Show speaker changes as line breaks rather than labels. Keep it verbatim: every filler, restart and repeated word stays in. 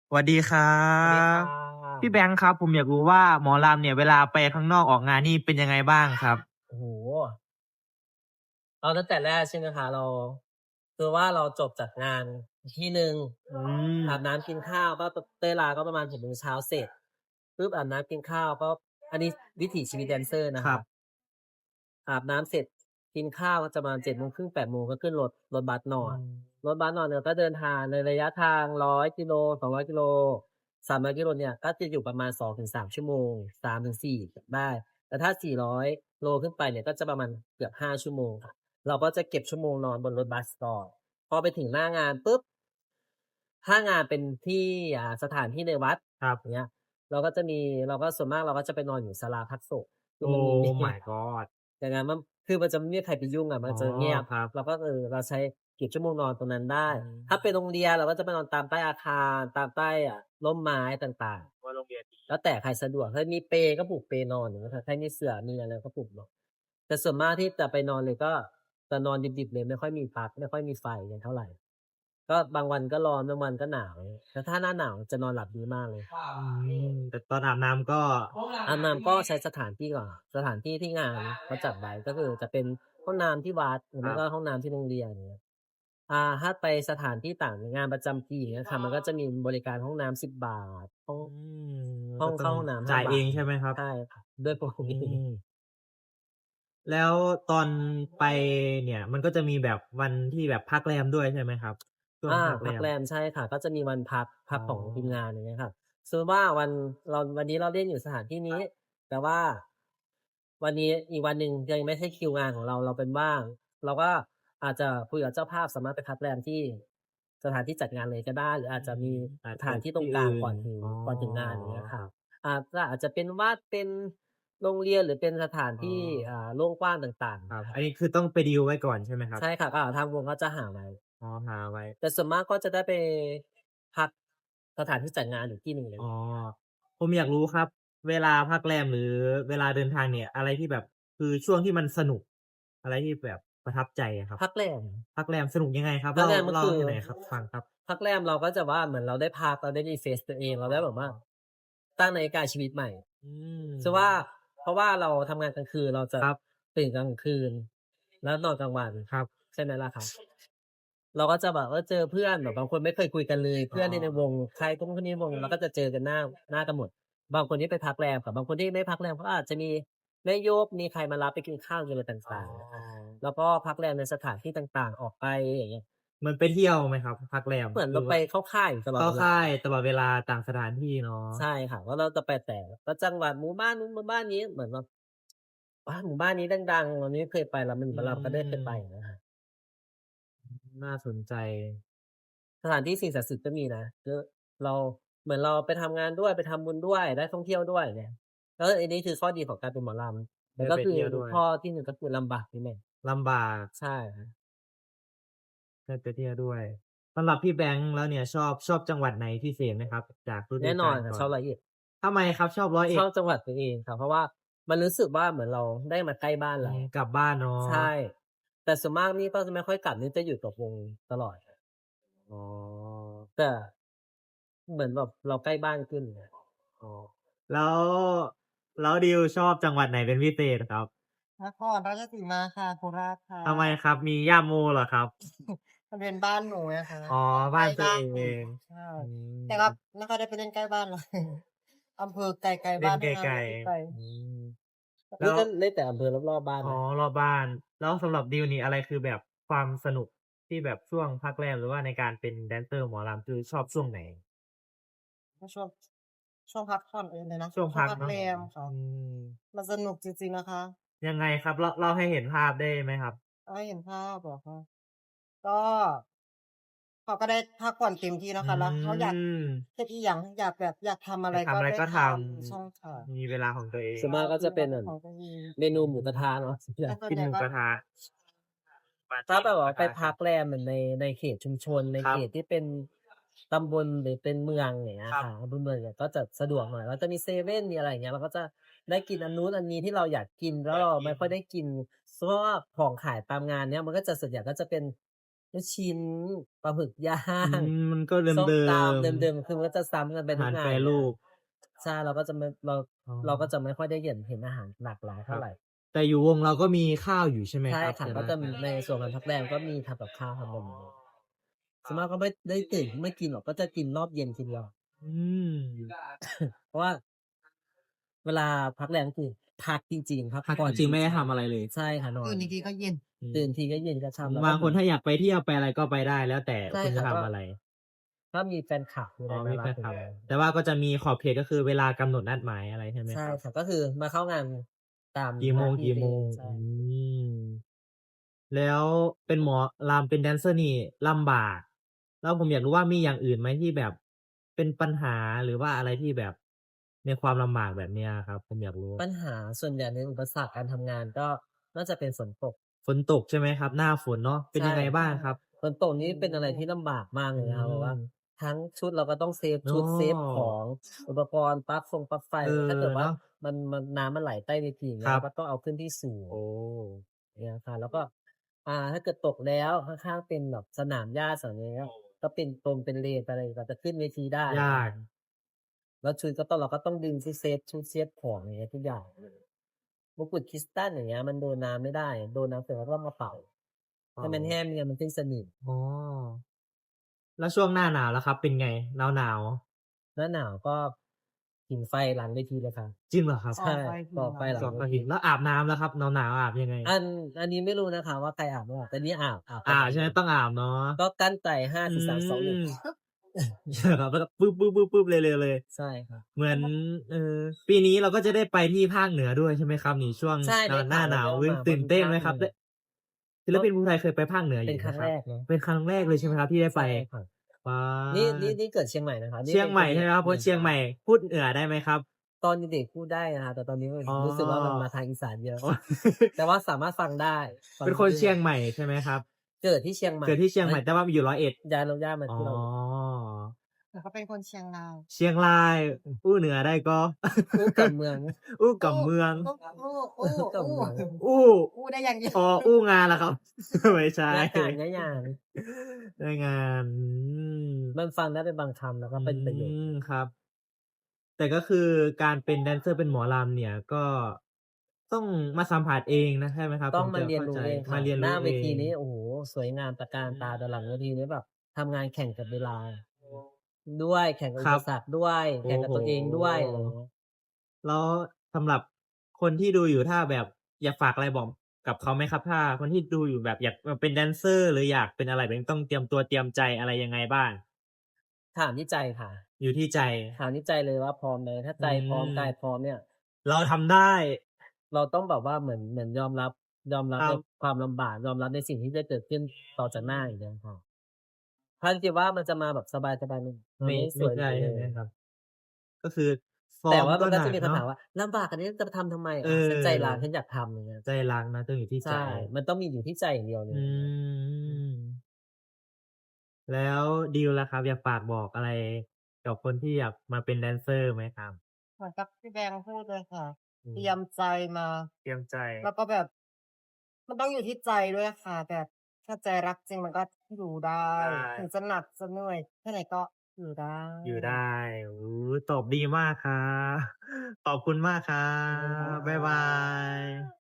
สวัสดีครั
สวัสดีค่
บพี่แบ
ะ
งค์ครับผมอยากรู้ว่าหมอลำเนี่ยเวลาไปข้างนอกออกงานนี่เป็นยังไงบ้างครับ
โอ้โฮเอาตั้งแต่แรกใช่ไหมคะเราคือว่าเราจบจากงานที่หนึ่ง
อืม
อาบน้ำกินข้าวก็ตเต้ยลาก็ประมาณหกโมงเช้าเสร็จปุ๊บอาบน้ำกินข้าวก็อันนี้วิถีชีวิตแดนเซอร์นะคะ
ครับ
อาบน้ำเสร็จกินข้าวก็จะประมาณเจ็ดโมงครึ่งแปดโมงก็ขึ้นรถรถบัสน
อื
อน
ม
รถบัสนอนเนี่ยก็เดินทางในระยะทางหนึ่งร้อยกิโลสองร้อยกิโลสามร้อยกิโลเนี่ยก็จะอยู่ประมาณสองถึงสามชั่วโมงสามถึงสี่ได้แต่ถ้าสี่ร้อยโลขึ้นไปเนี่ยก็จะประมาณเกือบห้าชั่วโมงค่ะ เราก็จะเก็บชั่วโมงนอนบนรถบัสก่อนพอไปถึงหน้างานปุ๊บถ้างานเป็นที่อ่าสถานที่ในวัด
ครับ
อย่างเงี้ยเราก็จะมีเราก็ส่วนมากเราก็จะไปนอนอยู่ศาลาพักศพคือ
โอ้
มันมี
my god
อย่างงั้นมันคือมันจะไม่มีใครไปยุ่งอะมั
อ๋อ
นจะเงียบ
ครับ
เราก็เออเราใช้เก็บชั่วโมงนอนตรงนั้นได้
อื
ถ้าเป็น
ม
โรงเรียนเราก็จะไปนอนตามใต้อาคารตามใต้อ่าร่มไม้ต่าง
ว่าโรงเรียนดี
ๆแล้วแต่ใครสะดวกถ้ามีเปลก็ผูกเปลนอนอย่างเงี้ยค่ะถ้ามีเสื่อมีอะไรก็ผูกนอนแต่ส่วนมากที่จะไปนอนเลยก็จะนอนดิบๆเลยไม่ค่อยมีปลั๊กไม่ค่อยมีไฟกันเท่าไรก็บางวันก็ร้อนบางวันก็หนาวแต่ถ้าหน้าหนาวจะนอนหลับดีมากเลย
อืมแต่ตอนอาบน้ำก็
อาบน้ำก็ใช้สถานที่ก่อนสถานที่ที่งานเขาจัดไว้ก็คือจะเป็นห้องน้ำที่วัดหรือ
ครับ
ไม่ก็ห้องน้ำที่โรงเรียนอย่างเงี้ยอ่าถ้าไปสถานที่ต่างงานประจำปีอย่างเงี้ยค่ะมันก็จะมีบริการห้องน้ำสิบบาทห้อง
อืม
ห้อง
ก็ต้อง
เข้าห้องน้ำห้า
จ่ายเอง
บาทอย่างเงี้ย
ใช่ไหมครับ
ใช่ค่ะด้วยปก
อื
ติ
มแล้วตอนไปเนี่ยมันก็จะมีแบบวันที่แบบพักแรมด้วยใช่ไหมครับช่วง
อา
พักแรม
พักแรมใช่ค่ะก็จะมีวันพักพั
อ๋
กของทีมงาน
อ
อย่างเงี้ยค่ะสมมุติว่าวันเราวันนี้เราเล่นอยู่สถานที่นี้แต่ว่าวันนี้อีกวันหนึ่งยังไม่ใช่คิวงานของเราเราเป็นว่างเราก็อาจจะคุยกับเจ้าภาพสามารถไปพักแรมที่สถานที่จัดงานเลยก็ได้หรืออาจ
อื
จะมี
มอาจ
สถา
จะ
นที่ตรงกลาง
ที่อื่น
ก่อนถึง
อ๋อ
ก่อนถึงงานอย่างเงี้ยค่ะ
ครับ
อาก็อาจจะเป็นวัดเป็นโรงเรียนหรือเป็นสถาน
อ๋อ
ที่อ่าโล่งกว้างต่าง
ครับ
ๆค่ะ
อันนี้คือต้องไปดีลไว้ก่อนใช่ไหมครับ
ใช่ค่ะก็อ่าทางวงก็จะหาไว้
อ๋อหาไว้
แต่ส่วนมากก็จะได้ไปพักสถานที่จัดงานอยู่ที่หนึ่งเลย
อ๋อผมอยากรู้ครับเวลาพักแรมหรือเวลาเดินทางเนี่ยอะไรที่แบบคือช่วงที่มันสนุกอะไรที่แบบประทับใจอะครับ
พักแรม
พักแรมสนุกยังไงครับ
พัก
เล่า
แรมก็คือ
เล่าให้หน่อยครับฟังครับ
พักแรมเราก็จะว่าเหมือนเราได้พักเราได้ refresh ตัวเองเรา
อ๋อ
ได้แบบว่าตั้งนาฬิกาชีวิตใหม่
อืม
คือว่าเพราะว่าเราทำงานกลางคืนเราจะ
ครับ
ตื่นกลางคืนแล้วนอนกลางวัน
ครับ
ใช่ไหมล่ะคะเราก็จะแบบว่าเจอเพื่อนแบบบางคนไม่เคยคุยกันเลย
อ๋อ
เพื่อนที่ในวงใครก็คนนี้ในวงเราก็จะเจอกันหน้าหน้ากันหมดบางคนที่ไปพักแรมกับบางคนที่ไม่พักแรมก็อาจจะมีแม่โยกมีใครมารับไปกินข้าวอะไร
อ๋อ
ต่างๆนะคะแล้วก็พักแรมในสถานที่ต่างๆออกไปอย่างเงี้ย
เหมือนไปเที่ยวไหมครับพักแรม
เหมือนเราไป
หรือว่า
เข้าค่ายอยู่ตลอด
เข้า
เวลา
ค่ายตลอดเวลาต่างสถานที่เนาะ
ใช่ค่ะว่าเราจะไปแต่ละจังหวัดหมู่บ้านนู้นหมู่บ้านนี้เหมือนแบบอาหมู่บ้านนี้ดังๆเราไม่เคยไปเรามัน
อื
เราก็ได้เคยไปอะ
ม
นะครับ
น่าสนใจ
สถานที่สิ่งศักดิ์สิทธิ์ก็มีนะคือเราเหมือนเราไปทำงานด้วยไปทำบุญด้วยได้ท่องเที่ยวด้วยเนี่ยแล้วอันนี้คือข้อดีของการเป็นหมอลำแต่
ได้ไป
ก็คือ
เที่ยวด้วย
ข้อที่หนึ่งก็คือลำบากนิดหนึ่ง
ลำบาก
ใช่ครับ
ได้ไปเที่ยวด้วยสำหรับพี่แบงค์แล้วเนี่ยชอบชอบจังหวัดไหนพิเศษไหมครับจากฤดู
แน่นอนค่ะ
กาลก่อน
ชอบร้อยเอ็ด
ทำไมครับชอบร้อยเอ็ด
ชอบจังหวัดตัวเองครับเพราะว่ามันรู้สึกว่าเหมือนเราได้มาใกล้บ้านเรา
อืมกลับบ้านเนาะ
ใช่ แต่ส่วนมากนี่ก็จะไม่ค่อยกลับนี่จะอยู่กับวงตลอด
อ๋อ
แต่เหมือนแบบเราใกล้บ้านขึ้นไง
อ๋อแล้วแล้วดิวชอบจังหวัดไหนเป็นพิเศษครับ
นครราชสีมาค่ะโคราชค่ะ
ทำไมครับมีย่าโมเหรอครับ
มันเป็นบ้านหนูไงคะ
อ๋อ
ใกล้
บ้านตัวเอ
บ้านหนู
ง
ใช่
อื
แต่ก็
ม
ไม่ค่อยได้ไปเล่นใกล้บ้านหรอกอำเภอไกลๆ
เล่
บ้านทั้งนั้น
นไกล
เลยที่ไป
ๆอืมแล้ว
นี่ก็เล่นแต่อำเภอรอบๆบ้าน
อ๋อ
นะ
รอบบ้านแล้วสำหรับดิวนี่อะไรคือแบบความสนุกที่แบบช่วงพักแรมหรือว่าในการเป็นแดนเซอร์หมอลำคือชอบช่วงไหน
ก็ช่วงช่วงพักผ่อนเองเลยนะ
ช่วง
ช่วงพักแร
พักเนาะ
มค่ะ
อืม
มันสนุกจริงๆนะคะ
ยังไงครับเล่าเล่าให้เห็นภาพได้ไหมครับ
เอาให้เห็นภาพเหรอคะก็เขาก็ได้พักผ่อนเต็มที่
อื
นะคะแล้วเขาอยาก
ม
เฮ็ดอิหยังอยากแบบอยากทำอะไรก็
อยากทำอะไร
ได้ท
ก็ท
ำใช่ค่ะ
ำมีเวลาของตัวเอง
ส่วนมากก็
ใช่มี
จะเป็นแบบ
เวลาเป็นของตัวเอง
เมนูหมูกระทะเนาะส่วนใหญ่
แต่ส่วน
กิน
ใหญ่ก็
หมูกระทะปาร์
ถ้า
ตีหมูก
แบบว่าไป
ระทะกัน
พักแรมแบบในในเขตชุมชนใน
ครับ
เขตที่เป็นตำบลหรือเป็นเมืองอย่างเงี้
ครับ
ยค่ะอำเภอเมืองเนี่ยก็จะสะดวกหน่อยเราจะมีเซเว่นมีอะไรอย่างเงี้ยเราก็จะได้กินอันนู้นอันนี้ที่เราอยากกินแล้วเรา
อยากกิน
ไม่ค่อยได้กินเพราะว่าของขายตามงานเนี้ยมันก็จะส่วนใหญ่ก็จะเป็นลูกชิ้น ปลาหมึก ย่า
อื
ง
ม มันก็
ส้ม
เดิ
ตำ
ม
เดิม ๆ คือมันก็จะซ้ำกันไป
ๆ อา
ทุ
หาก ร
งา
แปร
น
รูป
ใช่ เราก็จะไม่ เรา
อ๋อ
เราก็จะไม่ค่อยได้เห็น เห็นอาหารหลากหลายเ
ค
ท่า
รับ
ไร
แต่อยู่วงเราก็มีข้าวอยู่ใช่ไหม
ใช่
ครับ?
ค่ะ
ส่วน
ก็
มาก
จะมีในส่วนของพักแรมก็มีทำกับข้าว ทำบะหมี่ ส่วนมากก็ไม่ได้ตื่น ไม่กินหรอก ก็จะกินรอบเย็นทีเดียว
อืม
เพราะว่า เวลาพักแรม ก็คือพักจริง ๆ พัก
พัก
ผ่อน
จริง ๆ ไม่ได้
จริง
ทำอะไรเลย
ๆ ใช่ค่ะ นอ
ตื่น
น
อีกทีก็เย็น
อืม
ตื่นทีก็เย็นก็ค่ำ แล้ว
บ
ก็
าง
เหม
คื
อน
นถ้าอยากไปเที่ยวไปอะไรก็ไปได้ แล้วแต่
ใช่
คุณ
ค
จะ
่ะ
ทำ
ก็
อะไร
ก็มีแฟนคลับ มีอะ
อ๋อ
ไรมา
มี
ร
แฟั นคลับ
ดูแล
แต่ว่าก็จะมีขอบเขต ก็คือเวลากำหนดนัดหมายอะไรใช่ไหม
ใช่
ครับ?
ค่ะ ก็คือมาเข้างานตาม
กี่
ห
โ
น
ม้
าที่
ง
ตัวเอง
ๆ
ใช
อื่ม แล้วเป็นหมอรำ เป็นแดนเซอร์นี่ลำบาก แล้วผมอยากรู้ว่ามีอย่างอื่นไหมที่แบบเป็นปัญหา หรือว่าอะไรที่แบบในความลำบากแบบเนี้ยอะครับ? ผมอยากรู้
ปัญหาส่วนใหญ่ในอุปสรรคการทำงาน ก็น่าจะเป็นฝนตก
ฝนตกใช่ไหมครับ? หน้าฝนเนาะ เป็น
ใช่
ยังไงบ้างครับ?
ฝนตกนี่เป็นอะไรที่ลำบากมาก
อ
เ
ื
ลยนะครับ แบบว่า
ม
ทั้งชุดเราก็ต้องเซฟ
อ๋
ชุด เซฟขอ
อ
ง อุปกรณ์ ปลั๊กฟงปลั๊กไฟ
เออ
ถ้าเกิดว
เ
่
น
า
าะ
มัน มัน น้ำมันไหลใต้เวที อย่างเง
คี
้
ร
ย
ั
เร
บ
าก็ต้องเอาขึ้นที่สูง
โอ้
อย่างเงี้ยค่ะ แล้วก็ อ่า ถ้าเกิดตกแล้วข้าง ๆ เป็นแบบสนามหญ้า สนามอะไรเงี้ย ก็เป็นตรงเป็นเลน ไปอะไร กว่าจะขึ้นเวทีได้
ยาก
แล้วชุดก็ต้อง เราก็ต้องดึงชุด เซฟชุด เซฟของ อย่างเงี้ย ทุกอย่าง มงกุฎคริสตัล อย่างเงี้ย มันโดนน้ำไม่ได้ โดนน้ำเสร็จเราก็ต้องมาเป่า
อ๋
ให้มันแห้
อ
ง ไม่งั้นมันขึ้นสนิม
อ๋อ แล้วช่วงหน้าหนาวล่ะครับ เป็นไง? หนาว ๆ
หน้าหนาวก็ผิงไฟหลังเวทีเลยครับ
จริงเหรอครับ?
ใช่ ก่อไฟหลั
ก
ง่
อ
เวท
ไฟผิ
ี
ง แล้วอาบน้ำล่ะครับ หนาว ๆ อาบยังไง?
อัน อันนี้ไม่รู้นะคะว่าใครอาบไม่อาบ แต่นี่อาบ อาบป
อ
ระ
า
จ
บใช่ไหม?
ำ
ต้องอาบเนาะ
ก็กลั้นใจ ห้า
อื
สี่ สาม สอง หนึ่ง
ม ใช่ครับ แล้วก็ปึ๊บ ๆ ๆ ๆ เร็ว ๆ เลย
ใช่ครับ
เหมือน เอ่อ ปีนี้เราก็จะได้ไปที่ภาคเหนือด้วยใช่ไหมครับนี่? ช่วง
ใช่
หน
ได้
หน
ข้่
า
าว
หนาว
แวว
อุ๊ย
ๆ มา
ตื
ว่่า
น
มี
เต้น
ภา
ไหมครับ?
คเหนือ
ได้ ศิลปินภูไทยเคยไปภาคเหนืออ
เป็
ย
นู่ครั้ง
นะค
แ
ร
รั
บ
กเนาะ
เป็นครั้งแรกเลยใช่ไหมครับที่ได้
ใช
ไป?
่ค่ะ
ป๊า
นี่ นี่
ด
นี่เกิดเชียงใหม่นะครับ น
เ
ี่
ชี
เ
ย
ป
ง
็น
ใหม
ค่นเห
ใ
น
ชื่ไหม
อ
ครับ?
เ
ค
หนื
น
อ
เชียงใหม่พูดเหนือได้ไหมครับ?
ตอนเด็ก ๆ พูดได้นะครับ แต่ตอนนี้
อ๋อ
รู้สึกว่ามันมาทางอีสานเยอะ
อ๋อ
แต่ว่าสามารถฟังได้ ฟั
เ
งร
ป็นคู
้
น
เรื
เช่ี
อง
ยงใหม่ใช่ไหมครับ?
เกิดที่เชียงใหม
เ
่
กิดที่เชียง
แล
ใ
้
หม
ว
่ แต่ว่ามาอยู่ ร้อยเอ็ด
ย้ายรกรากมา
อ๋อ
ที่ ร้อยเอ็ด
แต่เขาเป็นคนเชียงราย
เชียงราย อู้เหนือได้ก็
อู้กับเมือง
อู้ก
อัู้
บเมือง
อู้ อู้
อู้กับ
อู้
เมือง
อู้
อู้ได้อย่างเดียว
อ๋อ อู้งานเหรอครับ? ไม่ใช่
ย้ายการ ย้ายงาน
ได้งาน อืม
มันฟังได้เป็นบางคำ แล้ว
อ
ก็
ื
เป็นประโยค
ม ครับ แต่ก็คือการเป็นแดนเซอร์ เป็นหมอรำเนี่ย ก็ต้องมาสัมผัสเองนะ ใช่ไหมครับ?
ต
ถ้ึ
อง
ง
ม
จ
า
ะ
เรี
เ
ย
ข
น้
า
รู
ใ
้
จ
เองค
ม่า
ะ
เรียนร
หนู้า
้
เว
เอ
ทีนี้
ง
โอ้โฮ สวยงามตระการตา แต่หลังเวทีนี้แบบทำงานแข่งกับเวลา ด้วย แข่งกับอุป
ครับ
สรรคด้วย
โอ
แข่
้
งกับ
โฮ
ตัวเองด้วย อะไรอย่างเงี้ย
แล้วสำหรับคนที่ดูอยู่ ถ้าแบบอยากฝากอะไรบอกกับเขาไหมครับ? ถ้าคนที่ดูอยู่แบบอยากมาเป็นแดนเซอร์ หรืออยากเป็นอะไรแบบนี้ ต้องเตรียมตัวเตรียมใจอะไรยังไงบ้าง?
ถามที่ใจค่ะ
อยู่ที่ใจ
ถามที่ใจเลยว่าพร้อมไหม? ถ้า
อื
ใจพร้อม กาย
ม
พร้อมเนี่ย
เราทำได้
เราต้องแบบว่าเหมือน เหมือนยอมรับ ยอมรับใน
ครับ
ความลำบาก ยอมรับในสิ่งที่จะเกิดขึ้นต่อจากหน้าอย่างเงี้ยครับ ถ้าคิดว่ามันจะมาแบบสบาย ๆ มัน มั
ไม
น่ไม่สวย
ไม่ใช
เ
่
ล
ใช่ไหม
ย
ครับ ก็คือซ้อ
แต่
มก
ว่าม็ันก็
หนักเน
จะมีค
า
ำถ
ะ
ามว่า "ลำบากขนาดนี้จะไปทำทำไม?"
เอ
อา ฉันใจรัก
อ
ฉันอยากทำ อย่างเงี้ย
ใจรักนะ ต้องอยู่ที่
ใช
ใจ
่ มันต้องมีอยู่ที่ใจอย่างเดียวเล
อื
ย
ม แล้วดิวล่ะครับ อยากฝากบอกอะไรกับคนที่อยากมาเป็นแดนเซอร์ไหมครับ?
เหมือนกับที่แบงค์พูดเลยค่ะ
อื
เตรีย
ม
มใจมา
เตรียมใจ
แล้วก็แบบ มันต้องอยู่ที่ใจด้วยค่ะ แบบถ้าใจรักจริงมันก็อยู่ได้
ได
ถึง้จะหนักจะเหนื่อยแค่ไหนก็อยู่ได้
อยู่ได้ โอ้โฮ ตอบดีมากครับ ขอบคุณมากครั
ขอบคุณค่
บ บ๊ายบา
ะ
ย